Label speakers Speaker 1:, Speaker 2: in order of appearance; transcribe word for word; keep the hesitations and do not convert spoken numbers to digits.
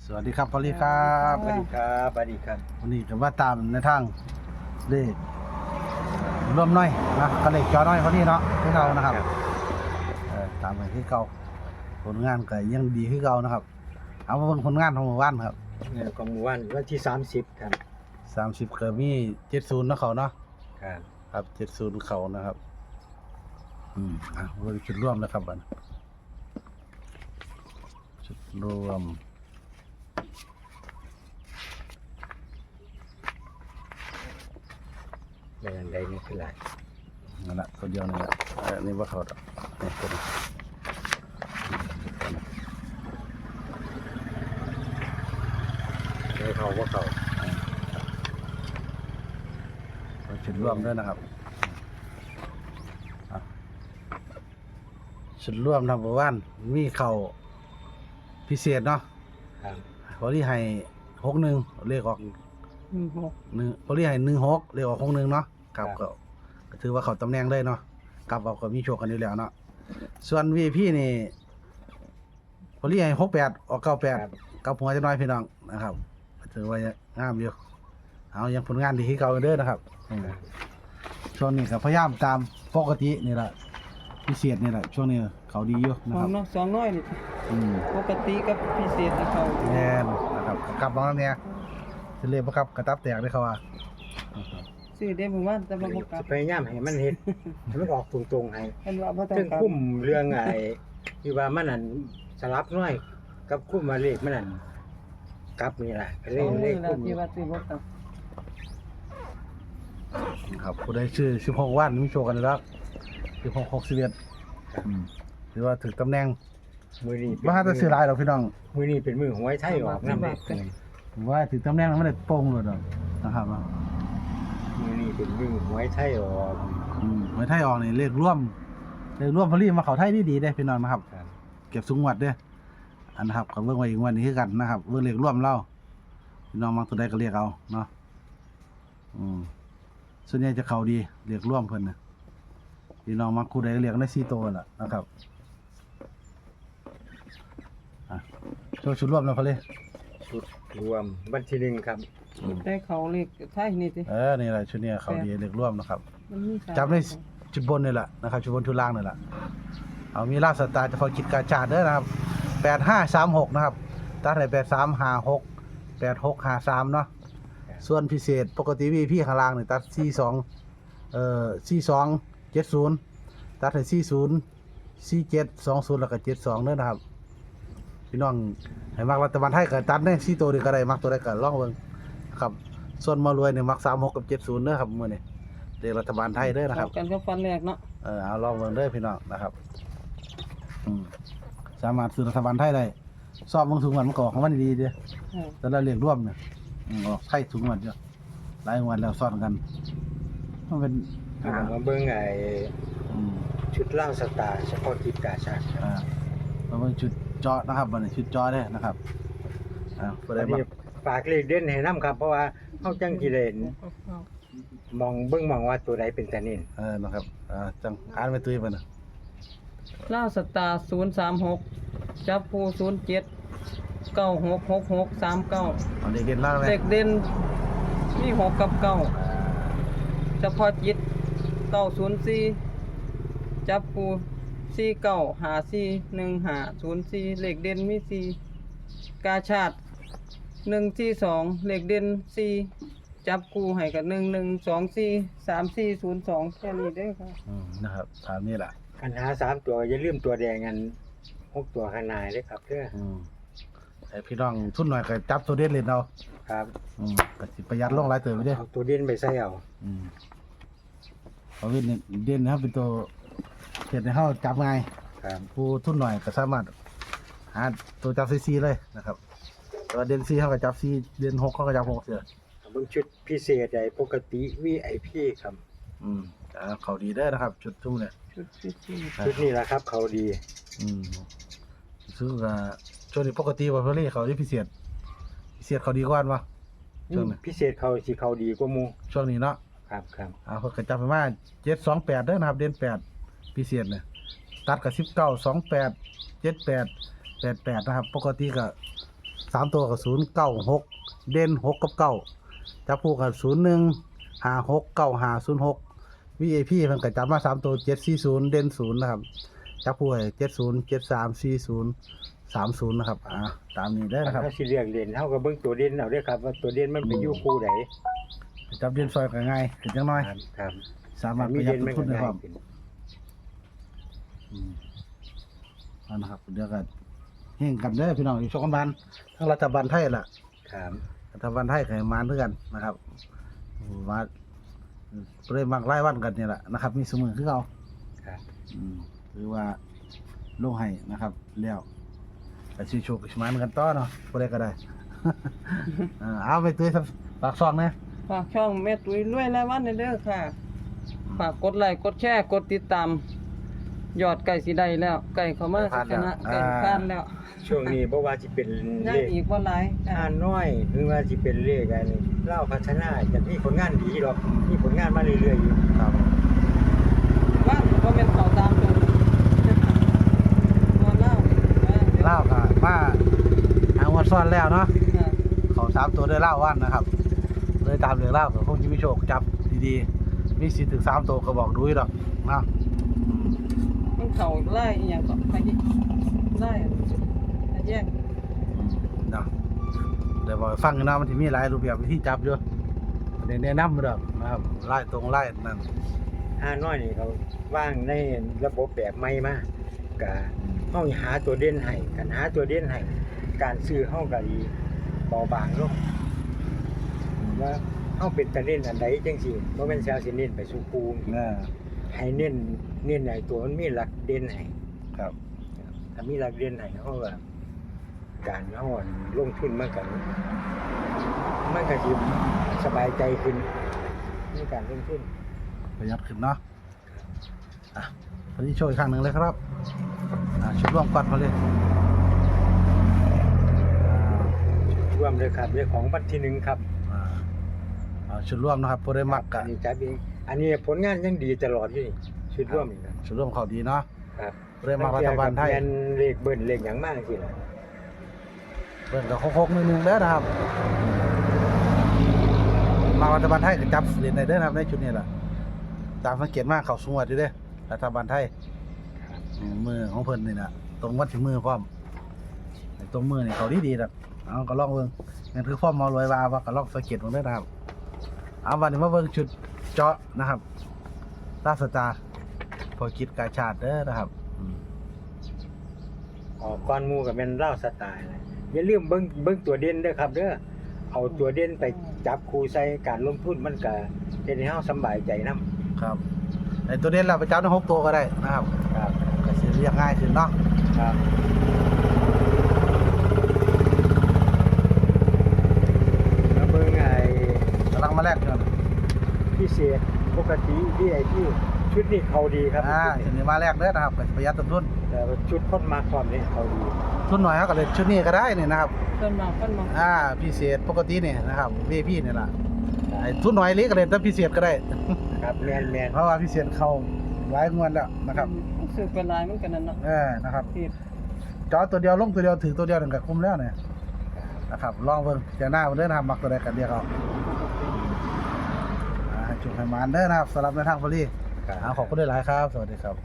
Speaker 1: สวัสดีครับพอลลี่ครับ
Speaker 2: สวัสดีครับสวัสดีครับ
Speaker 1: วันนี้ก็ว่าตามในทางเลขร่วมน้อยนะก็เลขจอน้อยพอลี่เนาะที่เก่านะครับเออตามไปที่เก่าผลงานก็ยังดีที่เก่านะครับเอามาเบิ่งผลงานของหมู่บ้านครับ
Speaker 2: เนี่ยของหมู่บ้านวันที่สามสิบครับ
Speaker 1: สามสิบก็มีเจ็ดศูนย์นะเขาเนาะ
Speaker 2: ครับ
Speaker 1: ครับเจ็ดศูนย์เขานะครับอืมอ่ะเบิ่งจุดร่วมนะครับบัดจุดรวม
Speaker 2: ในอันใดนี่คือหลาย
Speaker 1: นั่นแหละตัวเดียวนี่แหละเออนี่ว่าเขาดอกนี่ตัวนี้
Speaker 2: ในเขาว่าเขา
Speaker 1: เราชุดร่วมด้วยนะครับอ่ะชุดร่วมทำประวันมีเข่าพิเศษเนาะ
Speaker 2: ครับ
Speaker 1: พอที่ให้หกหนึ่งเลขออก
Speaker 3: หนึ่งหก
Speaker 1: หนึ่งพอที่ให้หนึ่งหกเลขออกหกหนึ่งเนาะครับก็ก็ถือว่าเขาตำแหน่งได้เนาะกลับเอาก็มีโชคกันอยู่แล้วเนาะส่วนวีพี่นี่พอที่ให้หกแปดออกเก้าแปด
Speaker 2: ครับ
Speaker 1: กับหัวจะน้อยพี่น้องนะครับถือว่างามอยู่เอายังผลงานดีที่เก่าเด้อนะครับอืมช่วงนี้ก็พยายามตามปกตินี่แหละพิเศษนี่แหละช่วงนี้เขาดีอยู่นะ
Speaker 3: สอ
Speaker 1: ครั
Speaker 3: ง
Speaker 1: บ
Speaker 3: เนาะสองน้อยนี่
Speaker 1: อืม
Speaker 3: ปกติกับพิเศษนะเขา
Speaker 1: แน่นนะครับกลับน้องเนี่ยจะเรียกว่าครับกระตับแตกได้เขาว่า
Speaker 3: ซื้อได้ผมว่าแต่บ่บ่กลับ
Speaker 2: พยายามให้มันเฮ็ดให้มันออกตรงๆให้
Speaker 3: เห็นว่าบ่ต้อง
Speaker 2: ซึ่ง
Speaker 3: กลับ
Speaker 2: คุ้มเรื่องไอ้ที่ว่ามันนั่นสลับน้อยกับคุ้มมาเลขมันนั่นกลับนี่ล่ะก็เล
Speaker 3: ส
Speaker 2: ย
Speaker 3: อง
Speaker 2: เล
Speaker 3: มื้
Speaker 2: ข
Speaker 3: อแล้ว
Speaker 2: คุ้ม
Speaker 3: ที่ว่าซื้อบ่กลับ
Speaker 1: ครับผู้ใดชื่อสิบหกวันมีโชว์กันแล้วสิบหกหกสิบเอ็ดถือว่าถึงตำแหน่ง
Speaker 2: มื้อนี้เป็น
Speaker 1: ว่าถ้าซื้อหลายหรอกพี่น้อง
Speaker 2: มื้อนี้เป็นมื้อหวยไทยออกนำเด้
Speaker 1: ว่าถึงตำแหน่งแล้วไม่ได้โป่งเลยดอกนะครับว่า
Speaker 2: มื้อนี้เป็นมื้อหวยไทยออก
Speaker 1: อืมไว้ไทยออกนี่เลขร่วมเลขร่วมพอลี่มาเขาไทยดีๆได้พี่น้องนะครับ
Speaker 2: ครับ
Speaker 1: เก็บสูงวัดเด้ออันนะครับก็เบิ่งไว้อีกวันนี้คือกันนะครับเบิ่งเลขร่วมเล่าพี่น้องมักตัวใดก็เรียกเอาเนาะอืมส่วนใหญ่จะเข้าดีเรียกร่วมเพิ่นน่ะพี่น้องมักคู่ใดก็เรียกได้สี่ตัวล่ะนะครับอ่ะโชว์ชุดร่วมแล้วพอลี่
Speaker 2: ชุดรวมวันที่หนึ่งครับ
Speaker 3: แต่เขาเลขไทยนี่ติ
Speaker 1: เออนี่แหละชุดเนี้ยเขาดีเรียกร่วมนะครับ
Speaker 3: มันมีสาม
Speaker 1: จำได้ชุดบนนี่แหละนะครับชุดบนชุดล่างนี่แหละเอามีลาบสตาร์เฉพาะกิจการชาติเด้อนะครับแปดห้าสามหกนะครับตัดให้แปดสามห้าหกแปดหกห้าสามเนาะส่วนพิเศษปกติวีพี่ข้างล่างนี่ตัดสี่สองเอ่อสี่สองเจ็ดศูนย์ตัดให้สี่ศูนย์สี่เจ็ดสองศูนย์แล้วก็เจ็ดสองเด้อนะครับพี่น้องให้มักรัฐบาลไทยก็ตัดได้สี่ตัวนี่ก็ได้มักตัวใดก็ลองเบิ่งครับส่วนมารวยเนี่ยมักสามหกกับเจ็ดศูนย์เด้อครับมื้อนี้เด็กรัฐบาลไทยเด้อนะครับ
Speaker 3: เข้ากันกับฟันแรกเนาะ
Speaker 1: เออเอาลองเบิ่งเด้อพี่น้องนะครับอืมสามารถซื้อรัฐบาลไทยได้สอบเบิ่งถุงเงินมันก็ออกของมันดีๆเด้อ
Speaker 3: อืม
Speaker 1: แต่ละเรียกร่วมเนี่ยอืมออกไทยถุงเงินเยอะหลายงวดแล้วซ้อนกันมันเป็น
Speaker 2: อ่ามาเบิ่งไอ้
Speaker 1: อืม
Speaker 2: ชุดล่างสตาร์เฉพาะกิจกาชาติครับ
Speaker 1: อ่ามาเบิ่งชุดเจาะนะครับบัดนี้ชุดเจาะเด้อนะครับอ่าบ่
Speaker 2: อั
Speaker 1: ได้
Speaker 2: น
Speaker 1: มา
Speaker 2: นี้ฝากเลขเด่นให้นํครับ เพราะว่าเฮาจังสิได้มองเบิ่งมองว่าตัวใดเป็นตาเน้น
Speaker 1: เออนะครับอ่าจังอ่านไปตุ้ยบัดน่ะ
Speaker 3: ลาวสตาร์ศูนย์สามหกจับผู้ศูนย์เจ็ด เก้าหก หกหก สามเก้า
Speaker 1: เอาเด็กเด่นล่างเลย
Speaker 3: เด็กเด่นมีหกกับเก้าเฉพาะจิตเก้าศูนย์สี่จับปูสี่เก้าหาสี่หนึ่งหาศูนย์สี่เลขเด่นมีสี่กาชาติหนึ่งที่สองเลขเด่นสี่จับกูให้กับหนึ่งหนึ่งสองสี่สามสี่ศูนย์สองแค่นี้เด้อค่ะ
Speaker 1: อืมนะครับตามนี้แหละ
Speaker 2: คันหาสามตัวอย่าลืมตัวแดงกันหกตัวข้างหน้าเด้อครับเด้อ
Speaker 1: อืมให้พี่น้องทุนหน่อยก็จับตัวเด่นเล่นเอา
Speaker 2: ครับ
Speaker 1: อืมก็สิประหยัดลงหลายเติบไปเด้อ
Speaker 2: เอาตัวเด่นไปใส่เอา
Speaker 1: อืมเอาเด่นเนี่ยเด่นนะครับเป็นตัวเห็ดในเฮาจับง่าย
Speaker 2: ครับ
Speaker 1: ผู้ทุนหน่อยก็สามารถหาตัวจับซีซีเลยนะครับแตัวาเด่นซีเขาก็จับซีเด่นหกเขาก็จับหกเสือ
Speaker 2: เบิ่งชุดพิเศษใดปกติ วี ไอ พี ครับ
Speaker 1: อืมอ่าเขาดีได้อนะครับ จุดทุ่มเนี่ย
Speaker 3: ชุดที่สี่
Speaker 2: ชุดนี้ล่ะครับ เขาดี
Speaker 1: อืมซึ่งก็ช่วงนี้ปกติว่าเพื่อนเขาที่พิเศษพิเศษเขาดีกว่าปะช่วงนี้
Speaker 2: พิเศษเขาสิเขาดีกว่าหมู่
Speaker 1: ช่วงนี้เนาะ
Speaker 2: ครับครับ
Speaker 1: อ่าเขาก็จับไปมาเจ็ดสองแปดเด้อนะครับ เด่นแปดพิเศษเนี่ยตัดกับสิบเก้าสองแปดเจ็ดแปดแปดแปดนะครับ ปกติก็สามตัวกับศูนย์เก้าหกเด่นหกกับเก้าจับคู่กับศูนย์หนึ่งห้าหกเก้าห้าศูนย์หก วี ไอ พี เพิ่นก็จับมาสามตัวเจ็ดสี่ศูนย์เด่นศูนย์นะครับจับคู่ให้เจ็ดศูนย์ เจ็ดสาม สี่ศูนย์ สามศูนย์นะครับอ่าตามนี้ได้นะครับ
Speaker 2: เขาสิเรียกเล่นเฮาก็เบิ่งตัวเด่นเอาเด้อครับว่าตัวเด่นมันไปอยู่คู่ใด
Speaker 1: จับเด่นซอยก็ง่ายขึ้นจังน้อย
Speaker 2: ครับครับ
Speaker 1: สามารถป
Speaker 2: มี
Speaker 1: ระหยัด
Speaker 2: เด่น
Speaker 1: ต้
Speaker 2: มัน
Speaker 1: นทุ
Speaker 2: ก็
Speaker 1: นได้ค
Speaker 2: ง่า
Speaker 1: รั
Speaker 2: ย
Speaker 1: บ
Speaker 2: ขึ้น
Speaker 1: อืมเอานะครับเดี๋ยวกันเฮงกันเด้อพี่น้องอยู่ช่องกันบ้านทั้งรัฐบาลไทยล่ะ
Speaker 2: ครับ
Speaker 1: รัฐบาลไทยก็ให้มาด้วยกันนะครับมาเริ่มมากไล่วันกันนี่แหละนะครับ มีสมือคือเอา
Speaker 2: ครับ
Speaker 1: อืมหรือว่าลงให้นะครับแล้วแต่ชื่อโชคกับชมานกันต่อเนาะบ่ได้ก็ได้ อ่าเอาไปตุ้ยฝากซองนะ
Speaker 3: ฝากช่องแม่ตุ้ยรวยรายวันเด้อค่ะฝากกดไลค์กดแชร์กดติดตามยอดไก่สิได้แล้วไก่เข้ามาชนะไก่ผ่านแล้ว
Speaker 2: ช่วงนี้บ่ว่าสิเป็น
Speaker 3: ยั
Speaker 2: เล
Speaker 3: ง
Speaker 2: ข
Speaker 3: อีกบ่หลาย
Speaker 2: อ่านน้อยหรือว่าสิเป็นเลขอันเล่าพัฒนาจะมีผลงานดีหรอกมีผลงานมาเรื่อยๆอยู่
Speaker 1: ครับ
Speaker 3: ว่าก็เป็นเขาตามตัวบ่เล่า
Speaker 1: เล่าก็มาเอางวดซ้อนแล้วเนาะ
Speaker 3: ค่ะ
Speaker 1: เขาสามตัวได้เล่าวันนะครับเลยตามเรื่องเล่ากับพวกที่มีโชคจับดีๆมีสิทธิ์ถึงสามตัวก็บอกดูอีกดอกเนาะ
Speaker 3: มันเขาไล่อีหยังก็ไปไล่ไปแย่ง
Speaker 1: อืมเนาะเดี๋ยวบอกให้ฟังกันเนาะมันจะมีหลายรูปแบบวิธีจับอยู่เดี๋ยวแนะนำมาดอกนะครับไล่ตรงไล่นั่น
Speaker 2: อ่านน้อยนี่เขาว่างในระบบแบบใหม่มาก็เฮาหาตัวเด่นให้กันหาตัวเด่นให้การซื้อเฮาก็ดีเบาบางลงว่าเฮาเป็นตะเน้นอันใดจังซี่บ่แม่นสิเอาสิเน้นไปสู่ปู
Speaker 1: นะ
Speaker 2: ให้เน้นเน้นให้ตัวมันมีหลักเด่นให้
Speaker 1: ครับ
Speaker 2: ถ้ามีหลักเด่นให้เฮาก็การเฮาอั่นลงทุนมันก็มันก็สิสบายใจขึ้นในการลงทุน
Speaker 1: ประหยัดขึ้นเนาะอ่ะพอดีโชว์อีกครั้งหนึ่งเลยครับอ่ะชุดร่วมก่อนมาเลยอ่า
Speaker 2: ร่วมเลยครับเรื่องของวันที่หนึ่งครับ
Speaker 1: อ่าเอาชุดร่วมนะครับพอได้มักกะ
Speaker 2: อันนี้จับเองอันนี้ผลงานยังดีตลอดอยู่นี่ชุดร่วมนี่ครับ
Speaker 1: ชุดร่วมเขาดีเนาะ
Speaker 2: ครับ
Speaker 1: พอได้มักรัฐบาลไทย
Speaker 2: แมนเลขเบิ้ลเลขหยังมากสิล่ะ
Speaker 1: เบิ่งกับโคกๆนิดนึงเด้อนะครับมารัฐบาลไทยก็จับเหรียญในเด้อนะครับในชุดนี้แหละตามสังเกตมากเขาสงวดอยู่เด้อรัฐบาลไทยอืมมือของเพิ่นนี่นะตรงวัดถึงมือพร้อมไอ้ตรงมือนี่เขาดีดีๆนะเอาก็ลองเบิ่งนั่นคือความเมารวยว่าว่าก็ลองสังเกตเบิ่งเด้อนะครับเอาวันนี้มาเบิ่งชุดเจาะนะครับราชสตาร์พอคิดกาชาติเด้อนะครับอืม
Speaker 2: ออกก้อนหมูกับแมนเล่าสไตล์นะอย่าลืมเบิ้งเบิ้งตัวเด่นเด้อครับเด้อเอาตัวเด่นไปจับคู่ใส่การลงทุนมันก็เฮ็ดให้เฮาสำบายใจนํ
Speaker 1: ครับไอ้ตัวนี้เราไปจับได้หกตัวก็ได้นะครับ
Speaker 2: ครับ
Speaker 1: ก็สิเรียกง่ายขึ้นเนาะ
Speaker 2: ครับแล้วเบิ้งไอ้
Speaker 1: กำลังมาแลกกัน
Speaker 2: พิเศษปกติ วี ไอ พี ชุดนี้เขาดีครับ
Speaker 1: อ่า
Speaker 2: ชุ
Speaker 1: ชุ
Speaker 2: ด
Speaker 1: ด
Speaker 2: นี้
Speaker 1: นี้มาแลกเด้อนะครับก็ประหยัดต้นทุน
Speaker 2: แต่ว่าชุดคนมาความนี้เขาดี
Speaker 1: ทุนหน่อยเขาก็เลยชุดนี้ก็ได้นี่นะครับ
Speaker 3: เพิ่นมาเพิ่นมา
Speaker 1: อ่าพิเศษปกตินี่นะครับ วี ไอ พี นี่ล่ะไอ้ทุนหน่อยเล็กก็เลยแต่พิเศษก็ได้
Speaker 2: ครับแมนแมน
Speaker 1: เพราะว่าพิเศษเข้าหลายงวดแล้วนะครับ
Speaker 3: รู้สึกเป็นลายมันกันนั่นเนาะ
Speaker 1: เออนะครับ
Speaker 3: ผิด
Speaker 1: จอตัวเดียวลงตัวเดียวถือตัวเดียวถึงกับคุ้มแล้วเนี่ยนะครับลองเบิ่งจะหน้าเด้อนะครับมักตัวใดกันเดียวเอาอ่าให้จุกให้มานเด้อนะครับสำหรับในทางฟรี
Speaker 2: ครับ
Speaker 1: อ่าขอบคุณด้วยหลายครับ สวัสดีครับ